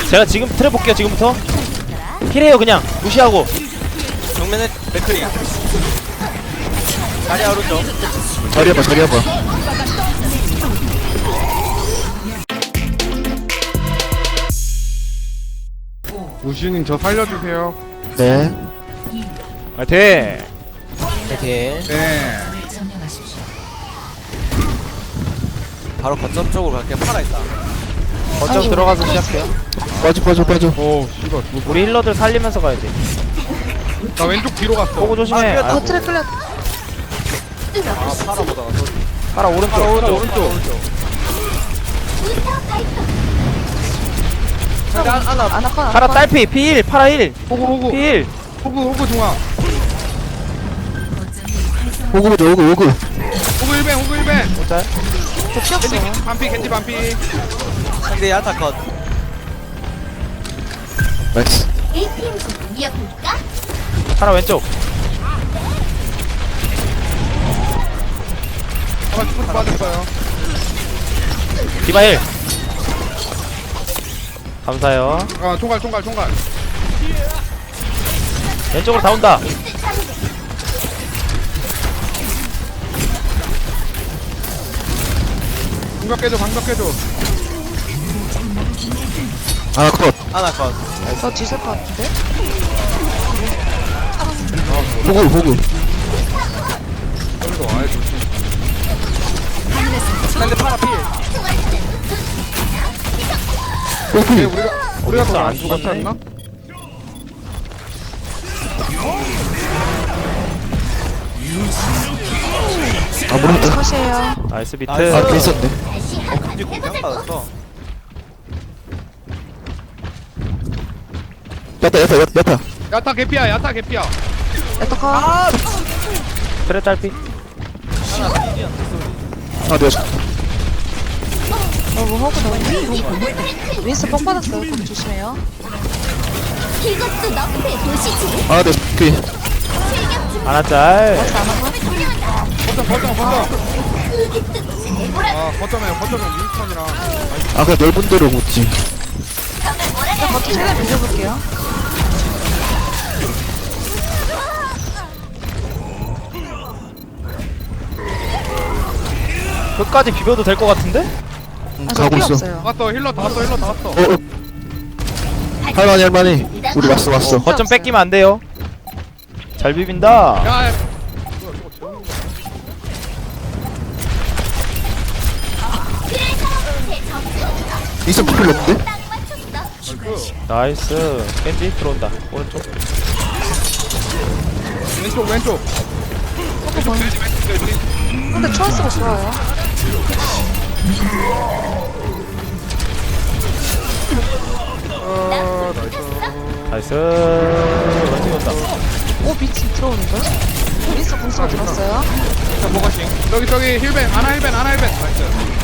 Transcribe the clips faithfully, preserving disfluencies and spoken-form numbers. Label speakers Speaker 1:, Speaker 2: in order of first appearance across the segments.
Speaker 1: 제가 지금 트랩 볼게요. 지금부터 힐해요. 그냥 무시하고.
Speaker 2: 정면에 맥크리 다리 오른쪽
Speaker 3: 자리 해봐 자리 해봐.
Speaker 4: 우시님 저 살려주세요.
Speaker 3: 네.
Speaker 1: 화이팅.
Speaker 2: 파이팅.
Speaker 4: 네.
Speaker 2: 바로 거점 쪽으로 갈게. 팔아 있다.
Speaker 1: 거점 들어가서 시작해요.
Speaker 3: 빠져 빠져 빠져.
Speaker 4: 오 씨발. 죽었어.
Speaker 1: 우리 힐러들 살리면서 가야 돼.
Speaker 4: 나 왼쪽 뒤로 갔어.
Speaker 1: 보고 조심해.
Speaker 2: 아,
Speaker 1: 아,
Speaker 5: 트랙 끌려.
Speaker 2: 아 팔아 보다가 또
Speaker 1: 파라 오른쪽.
Speaker 2: 팔아 오른쪽
Speaker 4: 오른쪽.
Speaker 2: 오른쪽. 근데 안 안아
Speaker 5: 아나콘
Speaker 1: 파라 딸피 필. 파라 힐.
Speaker 4: 호구 호구.
Speaker 1: 필.
Speaker 4: 호구 호구 중앙.
Speaker 3: 호구 보자 호구 호구.
Speaker 4: 호구 일 벤 호구 일 벤.
Speaker 1: 짤.
Speaker 5: 저
Speaker 4: 겐지
Speaker 5: 피었어.
Speaker 4: 반피 겐지 반피.
Speaker 2: 상대 야타 컷.
Speaker 3: 나이스.
Speaker 1: 파라 왼쪽.
Speaker 4: 아마 스포츠 빠졌어요.
Speaker 1: 디바 힐. 감사해요.
Speaker 4: 아 총갈 총갈 총갈.
Speaker 1: 왼쪽으로 다 온다.
Speaker 4: 방벽 깨줘 방벽 깨줘.
Speaker 3: 아 컷.
Speaker 2: 아나 컷.
Speaker 5: 저 뒤질 것 같은데?
Speaker 3: 호구 호구.
Speaker 4: 여기서 와야 좋지.
Speaker 2: 상대 팔아 필.
Speaker 3: 호구.
Speaker 4: 네, 우리가 우리가
Speaker 1: 어딨어?
Speaker 4: 더안
Speaker 1: 안
Speaker 4: 죽었지
Speaker 1: 죽었네?
Speaker 4: 않나?
Speaker 3: 아 모르겠다.
Speaker 5: 컷이에요.
Speaker 1: 나이스 비트.
Speaker 2: 나이스.
Speaker 3: 아 괜찮네.
Speaker 2: 어 근데 공격 받았어.
Speaker 3: 야타 야타 야타 야타.
Speaker 4: 야타 개피야 야타 개피야.
Speaker 5: 에터 컷.
Speaker 1: 트랩 딸피.
Speaker 2: 하나 필이었는데 소리.
Speaker 3: 아 내가
Speaker 5: 어, 뭐 하고 나오니? 윈스 뻥 받았어요. 거기 조심해요.
Speaker 6: 이것도 너의 도시지.
Speaker 3: 아 내가 그
Speaker 1: 하나 짤.
Speaker 5: 맞지 않아?
Speaker 4: 거점 거점 거점. 아 거점에 거점에 윈스턴이랑.
Speaker 3: 아 그냥 넓은 데로 묻지.
Speaker 5: 일단 버튼 최대한 빌려볼게요.
Speaker 1: 끝까지 비벼도 될 것 같은데?
Speaker 3: 응,
Speaker 5: 아, 저
Speaker 3: 가고
Speaker 5: 피
Speaker 3: 있어.
Speaker 5: 없어요.
Speaker 4: 왔어 힐러 다 왔어 힐러 다 왔어.
Speaker 3: 어, 어. 할만해 할만해. 우리 왔어 왔어.
Speaker 1: 거점 뺏기면 안 돼요. 잘 비빈다.
Speaker 4: 야. 야.
Speaker 3: 이선 피클 없는데?
Speaker 1: 나이스. 겐지 들어온다. 오른쪽.
Speaker 4: 왼쪽 왼쪽. 왼쪽 돼지 왼쪽 돼지.
Speaker 5: 근데 초이스가 좋아요.
Speaker 4: 어 나이스.
Speaker 1: 나이스. 왼쪽에 온다.
Speaker 5: 오, 미친 들어오는데? 윈스 궁수가 들었어요.
Speaker 4: 자 뭐가싱. 저기 저기 힐벤 아나 힐벤 아나 힐벤. 나이스.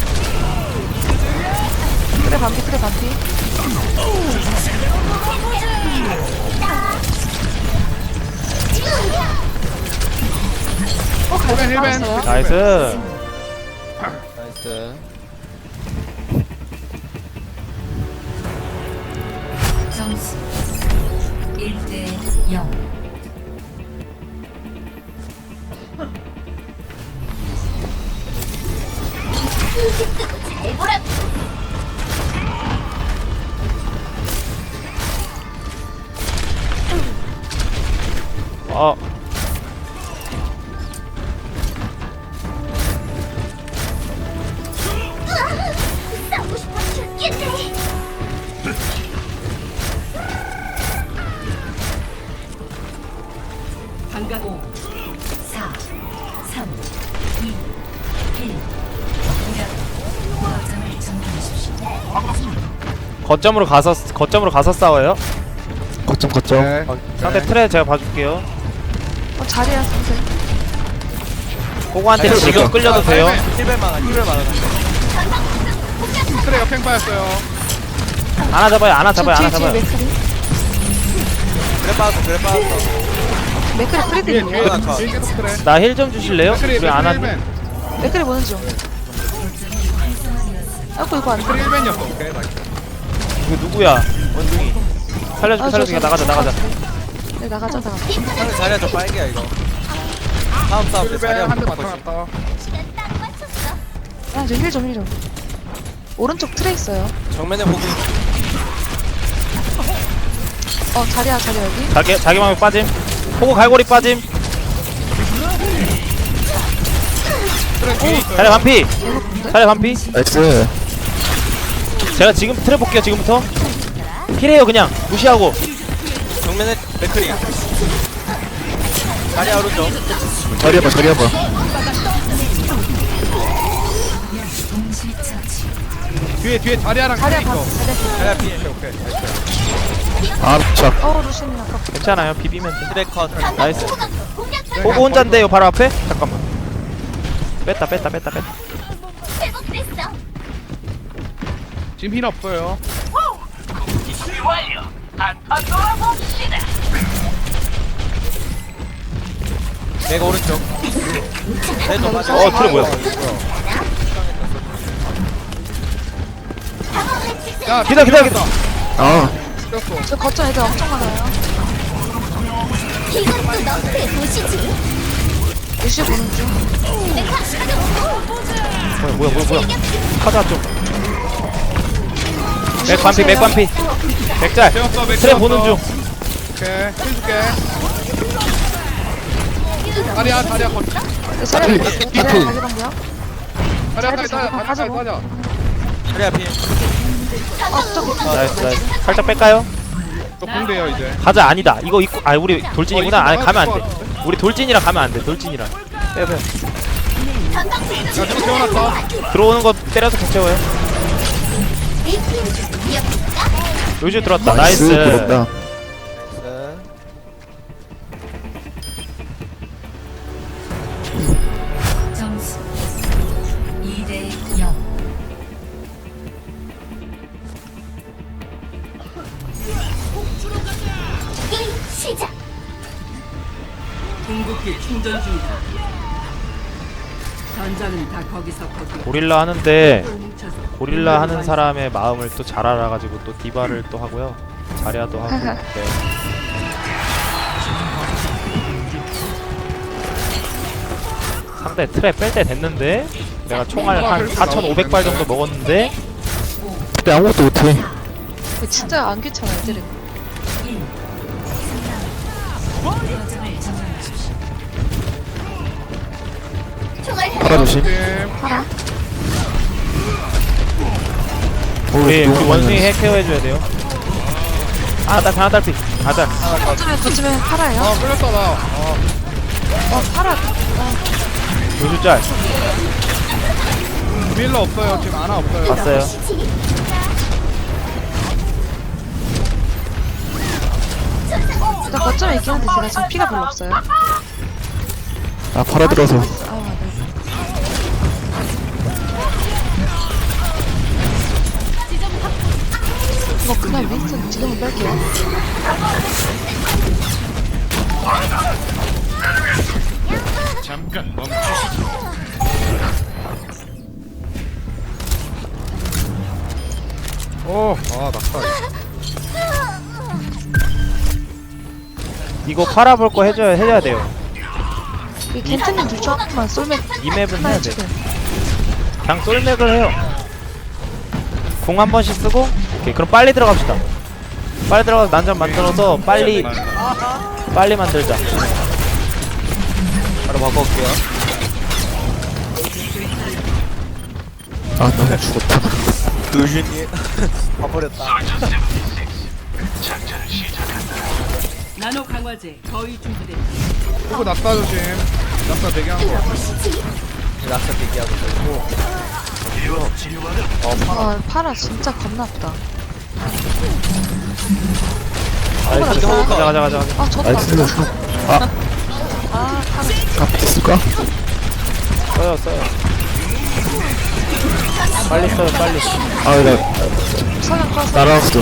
Speaker 5: 그래 반피, 그래 반피. 어,
Speaker 4: 힐벤,
Speaker 5: 갈비
Speaker 4: 힐벤.
Speaker 5: 빠졌어요.
Speaker 1: 나이스.
Speaker 2: 나이스.
Speaker 6: 점수 일 대 영. 잘 보라.
Speaker 1: 어.
Speaker 6: 싸우고 싶어 죽겠네. 오, 사, 삼, 이, 일. 거점을 점령하십시오.
Speaker 1: 거점으로 가서 거점으로 가서 싸워요.
Speaker 3: 거점 거점.
Speaker 4: 네.
Speaker 1: 어, 상대 트레 제가 봐줄게요.
Speaker 5: 어, 자리야, 선생.
Speaker 1: 호구한테
Speaker 2: 아니,
Speaker 1: 지금
Speaker 2: 지금
Speaker 1: 끌려도 돼요.
Speaker 2: 힐벤 많아 힐벤 많아.
Speaker 4: 트레가 팽 빠졌어요.
Speaker 1: 하나 잡아요. 하나 잡아요. 하나
Speaker 5: 뒤에, 뒤에
Speaker 1: 잡아요.
Speaker 5: 맥크리.
Speaker 2: 그래 빠졌어 그래 빠졌어.
Speaker 5: 맥크리
Speaker 4: 뒤에
Speaker 5: 프리드는요?
Speaker 4: 뒤에
Speaker 2: 하나 컷.
Speaker 4: 뒤에 계속 트레.
Speaker 1: 나 힐 좀 주실래요?
Speaker 4: 맥크리
Speaker 1: 우리 안
Speaker 4: 맥크리
Speaker 1: 한.
Speaker 4: 힐벤.
Speaker 5: 맥크리 보는 중. 아이고, 이거 안 돼.
Speaker 4: 맥크리 힐벤이었어. 오케이 나이스.
Speaker 1: 이거 누구야? 원숭이 살려줄게 살려줄게 나가자 나가자.
Speaker 5: 네 나가자 나가자.
Speaker 2: 상대 자리야 좀 빨개야 이거. 다음 싸움 때
Speaker 4: 힐벤
Speaker 2: 자리야
Speaker 4: 한 대
Speaker 2: 바꿔.
Speaker 4: 맞춰놨다.
Speaker 6: 시간 딱 맞췄어.
Speaker 5: 아, 저힐좀힐좀 오른쪽 트레 있어요.
Speaker 2: 정면에 보고
Speaker 5: 어 자리야 자리 여기.
Speaker 1: 자기 자기 마음에 빠짐. 호구 갈고리 빠짐.
Speaker 4: 트랙 뒤에 있어요.
Speaker 1: 자리 반피. 자리 반피.
Speaker 3: 나이스.
Speaker 1: 제가 지금 트랩 볼게요 지금부터. 힐해요 그냥 무시하고.
Speaker 2: 정면에 맥크리. 자리야 오른쪽.
Speaker 3: 자리 해봐, 자리 해봐.
Speaker 6: 동시 처치.
Speaker 4: 뒤에 뒤에 자리아랑
Speaker 5: 자리야
Speaker 4: 있어.
Speaker 5: 가. 자리야.
Speaker 2: 자리야 피.
Speaker 4: 오케이 오케이.
Speaker 3: 아, 자.
Speaker 5: 어 루시님 아까.
Speaker 1: 괜찮아요 비비면 돼.
Speaker 2: 트랙 컷.
Speaker 1: 나이스.
Speaker 6: 공략
Speaker 1: 호구 혼잔데요 바로 앞에? 잠깐만. 뺐다 뺐다 뺐다 뺐다.
Speaker 6: 회복됐어.
Speaker 4: 지금 힐 없어요.
Speaker 2: 내가 오른쪽. 내도 맞아.
Speaker 1: 어 트랩 뭐야?
Speaker 4: 야
Speaker 1: 기다 기다 기다.
Speaker 3: 아,
Speaker 4: 뛰었어.
Speaker 5: 저 거점 애들 엄청 많아요.
Speaker 6: 이것도 너의 도시지.
Speaker 5: 루시 보는 중.
Speaker 1: 뭐야 뭐야 뭐야 뭐야. 카자 좀. 맥 반피 맥 반피. 맥잘.
Speaker 4: 뛰었어 맥
Speaker 1: 트랩 보는 중.
Speaker 4: 오케이 힐 줄게. 자리야 자리야 거.
Speaker 5: 네, 자리야
Speaker 3: 힐,
Speaker 5: 자리야
Speaker 3: 힐.
Speaker 5: 자리 방이요.
Speaker 4: 자리야 자리야 자리야
Speaker 5: 가자,
Speaker 4: 자리야 자리야.
Speaker 2: 자리야 피.
Speaker 5: 어 저기.
Speaker 1: 나이스 나이스. 살짝 뺄까요?
Speaker 4: 저 공대요 이제.
Speaker 1: 가자 아니다. 이거 입고 아 우리 돌진이구나.
Speaker 4: 어, 이거
Speaker 1: 아니 가면 안
Speaker 4: 나갈
Speaker 1: 돼.
Speaker 4: 것
Speaker 1: 우리 돌진이라 가면 안 돼. 돌진이라. 빼요 빼요.
Speaker 4: 야 저거 세워놨다.
Speaker 1: 들어오는 거 때려서 격채워요. 요즘 들어왔다.
Speaker 3: 나이스.
Speaker 1: 나이스.
Speaker 3: 부럽다.
Speaker 2: 나이스.
Speaker 6: 점수 이 대 영. 게임 시작.
Speaker 7: 궁극기 충전 중이다. 전장은 다 거기서 거기.
Speaker 1: 고릴라 하는데
Speaker 7: 뭉쳐서
Speaker 1: 고릴라 하는 사람의 마음을 또 잘 알아가지고 또 디바를 또 하고요. 자리아도 하고. 네. 상대 트랩 뺄 때 됐는데 내가 총알 한 사천오백 발 정도 먹었는데
Speaker 3: 그때 아무것도 못해.
Speaker 5: 진짜 안 귀찮아 애들은.
Speaker 6: 거점을 점령하십시오. 총알
Speaker 3: 팔아 조심.
Speaker 4: 팀.
Speaker 5: 팔아.
Speaker 3: 오,
Speaker 1: 우리 우리
Speaker 3: 너무
Speaker 1: 원숭이
Speaker 3: 많이
Speaker 1: 핵 케어해줘야 돼요. 아나 하나 딸피. 가자.
Speaker 5: 거점에 거점에 팔아요.
Speaker 4: 아 끌렸다 나. 어.
Speaker 5: 어 팔아.
Speaker 1: 요즘 짤
Speaker 4: 힐러 없어요. 지금 하나 없어요.
Speaker 1: 봤어요.
Speaker 5: 일단 거점에 있긴 한데 제가 지금 피가 별로 없어요.
Speaker 3: 아, 팔아 들어서.
Speaker 5: 아 네. 이거 그냥 윈스턴 지금은 뺄게요.
Speaker 4: 오. 아 낙사.
Speaker 1: 이거 팔아볼 거 해줘야 해야 돼요.
Speaker 5: 이 겐트님 둘 중 하나만 쏠맥
Speaker 1: 이 맵은
Speaker 5: 하나
Speaker 1: 해야 돼.
Speaker 5: 해주세요.
Speaker 1: 그냥 쏠맥을 해요. 공 한 번씩 쓰고. 오케이 그럼 빨리 들어갑시다. 빨리 들어가서 난장 만들어서 빨리 빨리 만들자.
Speaker 2: 바로 바꿔올게요.
Speaker 3: 아, 나 죽었다.
Speaker 2: 루시니. 봐버렸다.
Speaker 7: 나노 강화제 거의 준비됐다.
Speaker 4: 그리고 낙사 조심. 낙사 대기한 거.
Speaker 2: 낙사 대기하고 있어.
Speaker 5: 아 팔아 진짜 겁나 아프다.
Speaker 1: 나이스.
Speaker 5: 팔아.
Speaker 1: 가자 가자 가자. 가자.
Speaker 5: 아 저도
Speaker 3: 나이스.
Speaker 5: 아프다.
Speaker 3: 아,
Speaker 5: 아 팔아.
Speaker 3: 아, 됐을까?
Speaker 1: 써요 써요. 빨리 써요 빨리.
Speaker 3: 아, 나,
Speaker 5: 서면 꺼서.
Speaker 3: 날아왔어.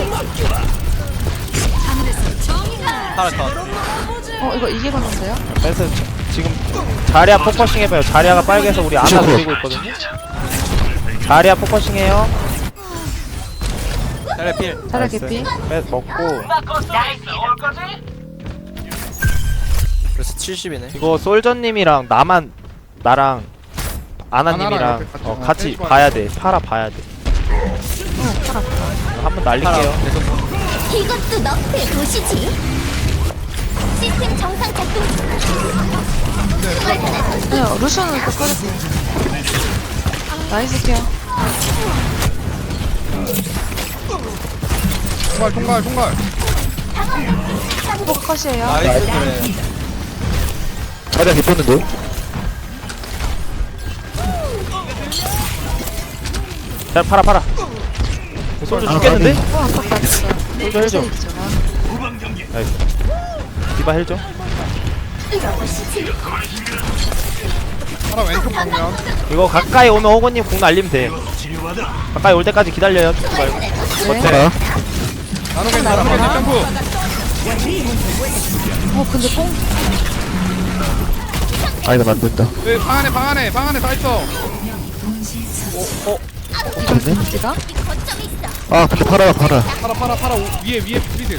Speaker 2: 파라 컷.
Speaker 5: 어 이거 이게 건데요?
Speaker 1: 그래서 지금 자리아 포커싱 해봐요. 자리아가 빨개서 우리 아나
Speaker 3: 그쵸.
Speaker 1: 노리고 있거든요. 자리아 포커싱 해요.
Speaker 2: 잘 그래 필.
Speaker 5: 자리야 개피.
Speaker 1: 빼 먹고
Speaker 2: 그래서 칠십이네.
Speaker 1: 이거 솔저님이랑 나만 나랑
Speaker 4: 아나랑
Speaker 1: 아나님이랑
Speaker 4: 이렇게 같이
Speaker 1: 어,
Speaker 4: 어,
Speaker 1: 같이
Speaker 4: 셋이
Speaker 1: 봐야 돼. 팔아 봐야 돼. 한번 날릴게요.
Speaker 6: 이것도 너프의 도시지. 시스템 정상 작동 중.
Speaker 5: 아니요 루시오는 또 꺼졌어요. 나이스 케어.
Speaker 4: 총괄 총괄 총괄.
Speaker 5: 또 컷이에요.
Speaker 2: 나이스 그래.
Speaker 3: 자리야 개뻤는데?
Speaker 1: 자 팔아 팔아. 솔저 죽겠는데?
Speaker 5: 어 아깝다 진짜.
Speaker 1: 솔저 헬죠. 나이스. 디바 헬죠.
Speaker 4: 하나 왼쪽 방면.
Speaker 1: 이거 가까이 오면 호구님 공 날리면 돼. 가까이 올 때까지 기다려요. 죽지 말고.
Speaker 5: 네.
Speaker 3: 파라.
Speaker 4: 나노 겐지 나노 겐지 점프.
Speaker 5: 어 근데 뽕.
Speaker 3: 아 이건 안 된다.
Speaker 4: 여기 방 안에 방 안에 방 안에 다 있어.
Speaker 5: 이걸 겐지가?
Speaker 6: 거점이 있어.
Speaker 3: 아 근데 파라 파라.
Speaker 4: 팔아 팔아 팔아 오, 위에 위에 프리드.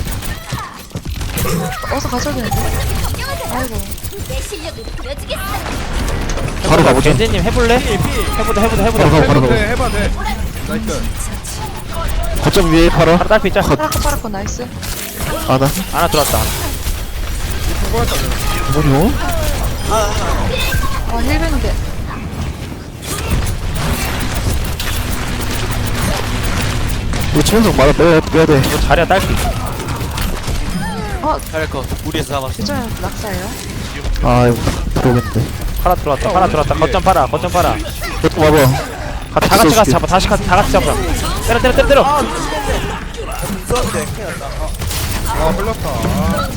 Speaker 5: 어서 가셔야 되는데. 아이고.
Speaker 6: 내 실력을 보여주겠어.
Speaker 3: 바로 가보자.
Speaker 1: 겐지님 해볼래? 해보자 해보자
Speaker 3: 바로
Speaker 1: 해보자.
Speaker 3: 가 바로
Speaker 4: 해봐도
Speaker 3: 가.
Speaker 4: 돼 해봐 돼. 나이스.
Speaker 3: 거점 위에 파라.
Speaker 1: 바로 딸피 있자.
Speaker 5: 파라코 파라코 나이스.
Speaker 3: 아나.
Speaker 1: 하나 들어왔다.
Speaker 4: 수고했다 내가.
Speaker 3: 뭐냐?
Speaker 5: 아 힐베는데.
Speaker 3: 이거 최연석 맞아 빼야 빼야 돼.
Speaker 1: 이거 자리야 딸피.
Speaker 5: 어
Speaker 2: 잘할 거. 우리에서 잡았어.
Speaker 5: 진짜 낙사예요.
Speaker 3: 아 이거 들어오겠는데.
Speaker 1: 팔아 들어왔다. 팔아 들어왔다. 거점 팔아. 거점 팔아.
Speaker 3: 이거 봐봐.
Speaker 1: 가, 다 같이 가서 잡아. 다시 가, 다 같이 잡아. 때려 때려 때려 때려.
Speaker 4: 아 흘렀다. 아,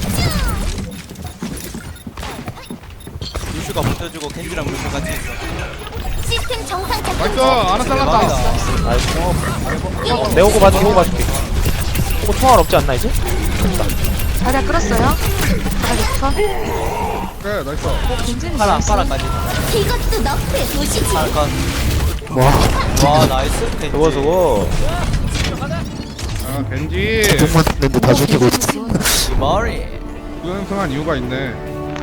Speaker 2: 루슈가 붙어주고 켄지랑 루슈 같이 있어.
Speaker 6: 시스템 정상 작동
Speaker 4: 나이스
Speaker 6: 중.
Speaker 4: 하나 잘랐다.
Speaker 1: 나이스. 어, 내 호구 봐줄게. 호구 봐줄게. 호구 통할 없지 않나 이제?
Speaker 5: 자리야 끌었어요. 자리야 컷.
Speaker 4: 그래 나이스.
Speaker 5: 겐지는
Speaker 2: 파라
Speaker 5: 나이스.
Speaker 2: 파라까지.
Speaker 6: 이것도 너프의 도시지.
Speaker 2: 파라 컷.
Speaker 3: 와.
Speaker 2: 와 나이스. 켄지.
Speaker 1: 수고 수고.
Speaker 4: 아 겐지.
Speaker 3: 공만 했는데 다 죽이고 있어.
Speaker 2: 이 머리.
Speaker 4: 우연승한 이유가 있네.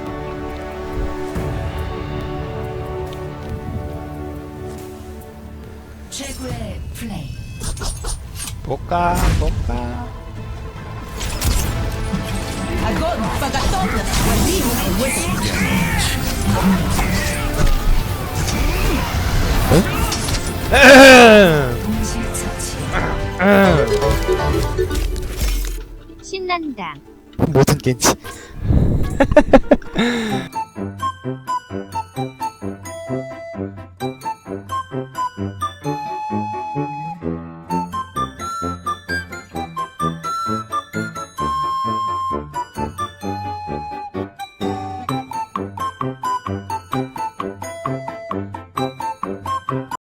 Speaker 6: 최고의 플레이.
Speaker 1: 볼까 볼까.
Speaker 6: 동시 처치.
Speaker 3: 모든 겐지.